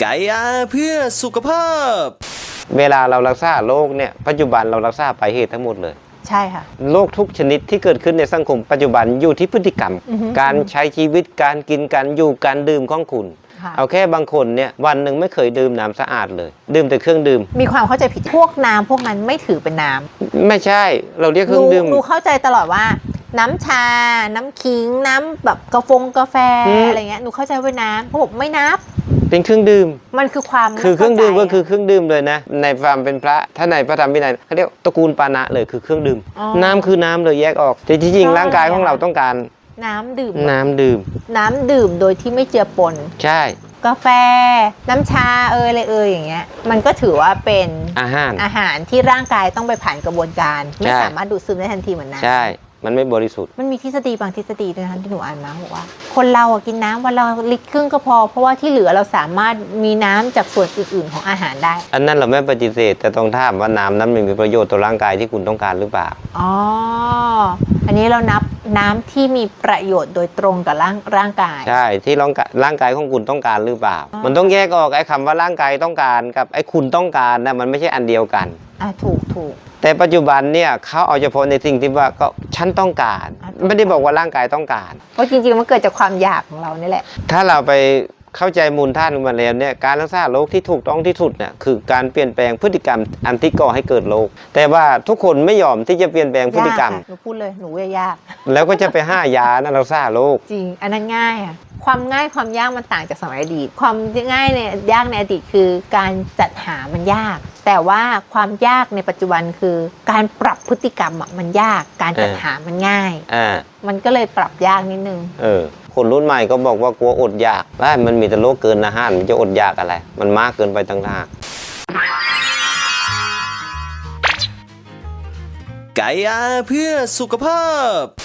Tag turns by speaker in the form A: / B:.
A: ไก่อาเพื่อสุขภาพ
B: เวลาเรารักษาโรคเนี่ยปัจจุบันเรารักษาปลายเหตุทั้งหมดเลย
C: ใช่ค่ะ
B: โรคทุกชนิดที่เกิดขึ้นในสังคมปัจจุบันอยู่ที่พฤติกรรมการใช้ชีวิตการกินการอยู่การดื่มของคุณเอาแค่บางคนเนี่ยวันหนึ่งไม่เคยดื่มน้ำสะอาดเลยดื่มแต่เครื่องดื่ม
C: มีความเข้าใจผิดพวกน้ำพวกนั้นไม่ถือเป็นน้
B: ำไม่ใช่เราเรียกเครื่องดื่ม
C: หนูเข้าใจตลอดว่าน้ำชาน้ำขิงน้ำแบบกาแฟอะไรเงี้ยหนูเข้าใจว่าน้ำเขาบอกไม่นับ
B: เป็นเครื่องดื่ม
C: มันคือความ
B: คือเครื่องดื่มก็คือเครื่องดื่มเลยนะในความเป็นพระถ้าในพระธรรมวินัยเขาเรียกตระกูลปานะเลยคือเครื่องดื่มน้ำคือน้ำเลยแยกออกแต่จริงๆร่างกายของเราต้องการ
C: น้ำดื่ม
B: น้ำดื่
C: มโดยที่ไม่เจือปน
B: ใช่
C: กาแฟน้ำชาอะไรอย่างเงี้ยมันก็ถือว่าเป็นอาหารที่ร่างกายต้องไปผ่านกระบวนการไม่สามารถดูดซึมได้ทันทีเหมือนน้ำ
B: ใช่มันไม่บริสุทธิ์
C: มันมีทฤษฎีบางทฤษฎีด้วยนะที่หนูอ่านมาบอกว่าคนเรากินน้ำวันละลิตรครึ่งก็พอเพราะว่าที่เหลือเราสามารถมีน้ำจากส่วนอื่นๆของอาหารได้
B: อันนั้นเราไม่ปฏิเสธแต่ต้องถามว่าน้ำนั้นมีประโยชน์ต่อร่างกายที่คุณต้องการหรือเปล่า
C: อ๋ออันนี้เรานับน้ำที่มีประโยชน์โดยตรงกับร่างกาย
B: ใช่ที่ร่างกายของคุณต้องการหรือเปล่ามันต้องแยกออกไอ้คำว่าร่างกายต้องการกับไอ้คุณต้องการนะมันไม่ใช่อันเดียวกัน
C: ถูก
B: แต่ปัจจุบันเนี่ยเขาเอาเฉพาะในสิ่งที่ว่าก็ฉันต้องการไม่ได้บอกว่าร่างกายต้องการ
C: เพราะจริงๆมันเกิดจากความอยากของเรานี่แหละ
B: ถ้าเราไปเข้าใจมูลท่านมาแล้วเนี่ยการรักษาโรคที่ถูกต้องที่สุดเนี่ยคือการเปลี่ยนแปลงพฤติกรรมอันที่ก่อให้เกิดโรคแต่ว่าทุกคนไม่ยอมที่จะเปลี่ยนแปลงพฤติกรรม
C: หนูพูดเลยหนูยาก
B: แล้วก็จะไปห้ายานะรักษาโรค
C: จริงอันนั้นง่ายความง่ายความยากมันต่างจากสมัยอดีตความง่ายเนี่ยยากในอดีตคือการจัดหามันยากแต่ว่าความยากในปัจจุบันคือการปรับพฤติกรรมมันยากการจัดหามันง่ายมันก็เลยปรับยากนิดนึง
B: คนรุ่นใหม่ก็บอกว่ากลัวอดอยากว่ามันมีแต่โรคเกินอาหารมันจะอดอยากอะไรมันมากเกินไปต่างหาก
A: ไก่อาเพื่อสุขภาพ